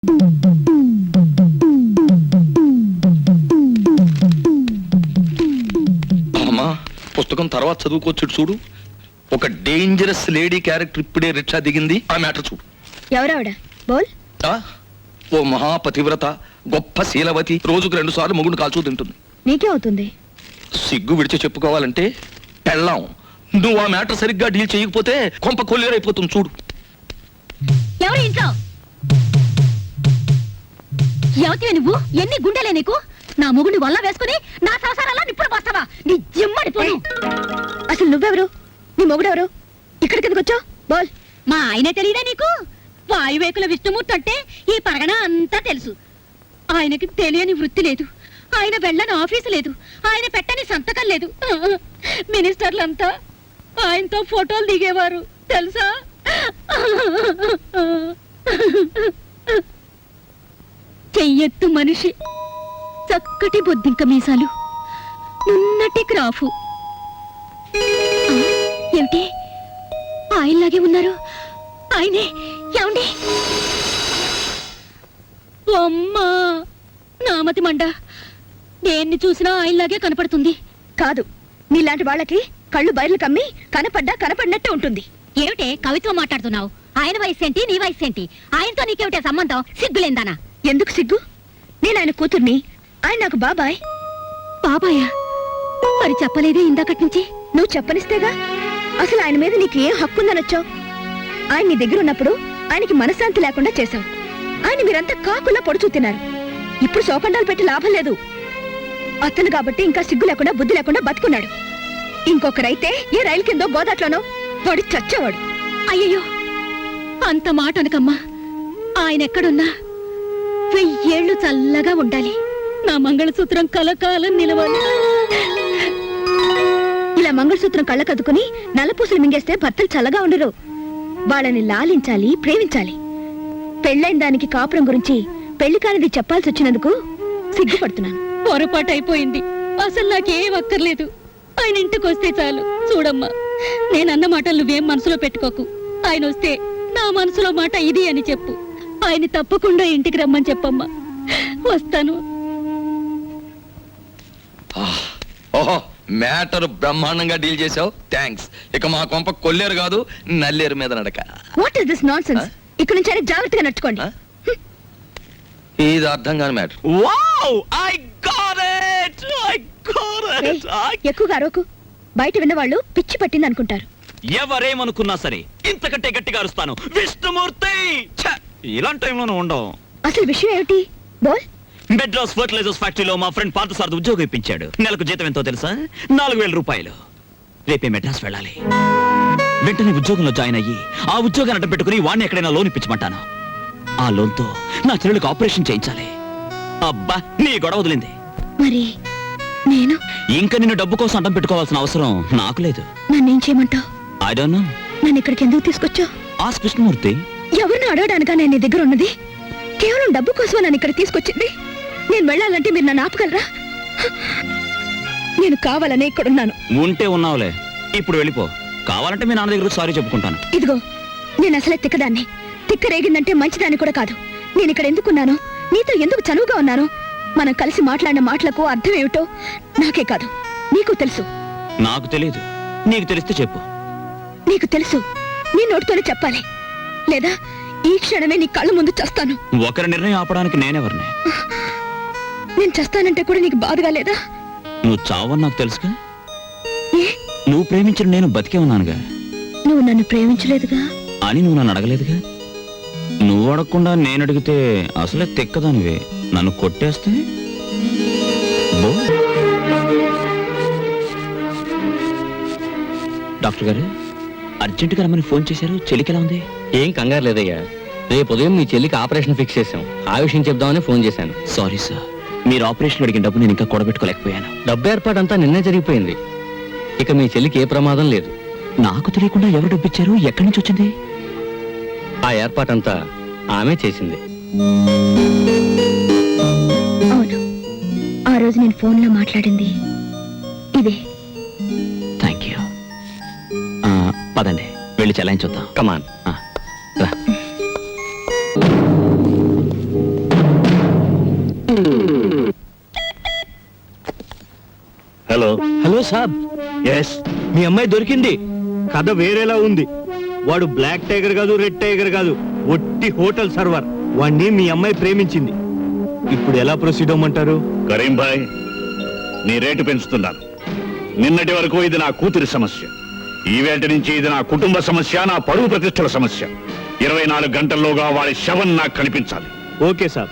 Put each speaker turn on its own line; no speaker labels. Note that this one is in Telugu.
అమ్మా, పుస్తకం తర్వాత చదువుకోవచ్చు చూడు. ఒక డేంజరస్ లేడీ క్యారెక్టర్ ఇప్పుడే రిక్షా దిగింది. ఆ మ్యాటర్ చూడు.
ఎవరావిడ? బోల్.
ఓ మహాపతివ్రత, గొప్ప శీలవతి, రోజుకు 2 సార్లు మొగుడు కాల్చూ తింటుంది.
నీకే అవుతుంది.
సిగ్గు విడిచి చెప్పుకోవాలంటే పెళ్ళాం. నువ్వు ఆ మ్యాటర్ సరిగ్గా డీల్ చేయకపోతే కొంప కొల్లేరైపోతుంది చూడు.
ఎవరు ఇంట్లో? ఎవతివే నువ్వు? ఎన్ని గుండెలే నీకు? నా మొగుడిని వల్ల వేసుకుని నా సంసారాల్లో నిప్పుడు పోస్తావా? నీ జిమ్మడి పోను. అసలు నువ్వెవరు? నీ మొగుడెవరు? ఇక్కడికి ఎందుకు వచ్చావు? బోల్. మా ఆయనే తెలియదా నీకు? వాయువేకుల విష్ణుమూర్తి అంటే ఈ పరగణ అంతా తెలుసు. ఆయనకి తెలియని వృత్తి లేదు, ఆయన వెళ్ళని ఆఫీసు లేదు, ఆయన పెట్టని సంతకం లేదు. మినిస్టర్లంతా ఆయనతో ఫోటోలు దిగేవారు తెలుసా? చెయ్యెత్తు మనిషి, చక్కటి బొద్దింక మీసాలు, నున్నటి క్రాఫు. ఏమిటి ఆయనలాగే ఉన్నారు? ఆయనే. ఏమండి? అమ్మా, నామతి మండ, దేన్ని చూసినా ఆయనలాగే కనపడుతుంది. కాదు, నీలాంటి వాళ్ళకి కళ్ళు బయర్లు కమ్మి కనపడినట్టే ఉంటుంది. ఏమిటే కవిత్వం మాట్లాడుతున్నావు? ఆయన వయసు ఏంటి, నీ వయసు ఏంటి? ఆయనతో నీకేమిటే సంబంధం? సిగ్గులేందానా? ఎందుకు సిగ్గు? నేను ఆయన కూతుర్ని, ఆయన నాకు బాబాయ్. బాబాయా? మరి చెప్పలేదే ఇందాకటి నుంచి? నువ్వు చెప్పనిస్తేగా. అసలు ఆయన మీద నీకు ఏం హక్కుందనొచ్చావు? ఆయన నీ దగ్గర ఉన్నప్పుడు ఆయనకి మనశ్శాంతి లేకుండా చేశావు. ఆయన మీరంతా కాకుల్లా పొడుచూ తిన్నారు. ఇప్పుడు శోకండాలు పెట్టి లాభం లేదు. అతను కాబట్టి ఇంకా సిగ్గు లేకుండా బుద్ధి లేకుండా బతుకున్నాడు. ఇంకొకరైతే ఏ రైలు కిందో గోదాట్లోనో వాడు చచ్చేవాడు. అయ్యయ్యో, అంత మాట అనకమ్మా. ఆయన ఎక్కడున్నా 1000 ఏళ్ళు చల్లగా ఉండాలి. నా మంగళసూత్రం కలకాలం నిలవాలి. ఇలా మంగళసూత్రం కళ్ళకద్దుకుని నల్లపూసలు మింగేస్తే భర్తలు చల్లగా ఉండరు. వాళ్ళని లాలించాలి, ప్రేమించాలి. పెళ్ళైన దానికి కాపురం గురించి పెళ్లి కానిది చెప్పాల్సి వచ్చినందుకు సిగ్గుపడుతున్నాను. పొరపాటు అయిపోయింది. అసలు నాకేం అక్కర్లేదు. ఆయన ఇంటికి వస్తే చాలు. చూడమ్మా, నేనన్న మాటలు నువ్వేం మనసులో పెట్టుకోకు. ఆయన వస్తే నా మనసులో మాట ఇది అని చెప్పు. ఆయన తప్పకుండా ఇంటికి రమ్మని చెప్పమ్మా. వస్తాను.
ఓహో, మ్యాటర్ బ్రహ్మాండంగా డీల్ చేసావు. థ్యాంక్స్. ఇక మా కొంప కొల్లేరు కాదు, నల్లేరు మీద నడక.
What is this nonsense? ఇక్కడ నుంచి అయినా జాగ్రత్తగా నడుచుకోండి.
ఇది అర్థం కాని matter. Wow, I got it.
ఎక్కువగా అరవకు. బయట విన్నవాళ్ళు పిచ్చి పట్టింది అనుకుంటారు.
ఎవరేమనుకున్నా సరే ఇంతకంటే గట్టిగా అరుస్తాను. విష్ణుమూర్తి! ఇలాంటి టైంలోనూ ఉండవు.
అసలు విషయం ఏమిటి? బోల్.
మెడ్రాస్ ఫర్టిలైజర్స్ ఫ్యాక్టరీలో మా ఫ్రెండ్ పార్థసారథి ఉద్యోగం ఇప్పించాడు. నెలకు జీతం ఎంతో తెలుసా? 4000 రూపాయలు. రేపే మెడ్రాస్ వెళ్ళాలి. వెంటనే ఉద్యోగంలో జాయిన్ అయ్యి ఆ ఉద్యోగాన్ని అడ్డం పెట్టుకుని వాడిని ఎక్కడైనా లోన్ ఇప్పించమంటాను. ఆ లోన్తో నా చెల్లెలకు ఆపరేషన్ చేయించాలి. అబ్బా, నీ గొడవ వదిలింది.
మరి నేను
ఇంకా నిన్ను డబ్బు కోసం అడ్డం పెట్టుకోవాల్సిన అవసరం నాకు లేదు.
నన్నేం చేయమంటావు?
I don't know.
నన్ను ఇక్కడికి ఎందుకు తీసుకొచ్చావు?
ఆస్క్ కృష్ణమూర్తి.
ఎవరిని అడగడానికా నేను నీ దగ్గర ఉన్నది? కేవలం డబ్బు కోసమే నన్ను ఇక్కడ తీసుకొచ్చింది. నేను వెళ్ళాలంటే మీరు నన్ను ఆపగలరా? నేను కావాలనే ఇక్కడున్నాను.
ఉంటే ఉన్నావులే, ఇప్పుడు వెళ్ళిపో. కావాలంటే మీ నాన్న దగ్గర సారీ చెప్పుకుంటాను.
ఇదిగో, నేను అసలే తిక్కదాన్ని. తిక్క రేగిందంటే మంచిదాన్ని కూడా కాదు. నేను ఇక్కడ ఎందుకున్నాను, నీతో ఎందుకు చనువుగా ఉన్నాను, మనం కలిసి మాట్లాడిన మాటలకు అర్థం ఏమిటో నాకే కాదు నీకు తెలుసు.
నాకు తెలియదు. నీకు తెలిస్తే చెప్పు.
నీకు తెలుసు, నీ నోటితోనే చెప్పాలి. లేదా ఈ క్షణమే నీ కళ్ళ ముందు చస్తాను.
ఒకరి నిర్ణయం ఆపడానికి నేనెవరిని?
నేను చస్తానంటే కూడా నీకు బాధగా లేదా?
నువ్వు చావని నాకు తెలుసుగా.
ఏ?
నువ్వు ప్రేమించిన నేను బతికే ఉన్నానుగా.
నువ్వు నన్ను ప్రేమించలేదుగా
అని నువ్వు నన్ను అడగలేదుగా. నువ్వు అడగకుండా నేను అడిగితే అసలే తెక్కదానివే. నన్ను కొట్టేస్తే డాక్టర్ గారు అర్జెంటుగా రమ్మని ఫోన్ చేశారు. చెల్లికి ఎలా ఉంది?
ఏం కంగారు లేదయ్యా. రేపు ఉదయం మీ చెల్లికి ఆపరేషన్ ఫిక్స్ చేశాం. ఆ విషయం చెప్దామని ఫోన్ చేశాను.
సారీ సార్, మీరు ఆపరేషన్ అడిగిన డబ్బు నేను ఇంకా కూడబెట్టుకోలేకపోయాను.
డబ్బు ఏర్పాటంతా నిన్నే జరిగిపోయింది. ఇక మీ చెల్లికి ఏ ప్రమాదం లేదు.
నాకు తెలియకుండా ఎవరు డబ్బు ఇచ్చారు? ఎక్కడి నుంచి వచ్చింది?
ఆ ఏర్పాటంతా ఆమె చేసింది.
అవును, ఆ రోజు నేను ఫోన్లో మాట్లాడింది ఇదే.
Thank you. పదండి, వెళ్ళి చెలాయించొద్దాం.
కమాన్.
రా.
సాబ్ ఎస్ మీ అమ్మాయి దొరికింది. కథ వేరేలా ఉంది. వాడు బ్లాక్ టైగర్ కాదు, రెడ్ టైగర్ కాదు, ఒట్టి హోటల్ సర్వర్. వాణ్ణి మీ అమ్మాయి ప్రేమించింది. ఇప్పుడు ఎలా ప్రొసీడ్ అవ్వమంటారు?
కరీం భాయ్, నీ రేటు పెంచుతున్నాను. నిన్నటి వరకు ఇది నా కూతురి సమస్య, ఈవేళ నుంచి ఇది నా కుటుంబ సమస్య, నా పరువు ప్రతిష్టల సమస్య. 24 గంటల్లోగా వాడి శవం నాకు కనిపించాలి.
ఓకే సాబ్.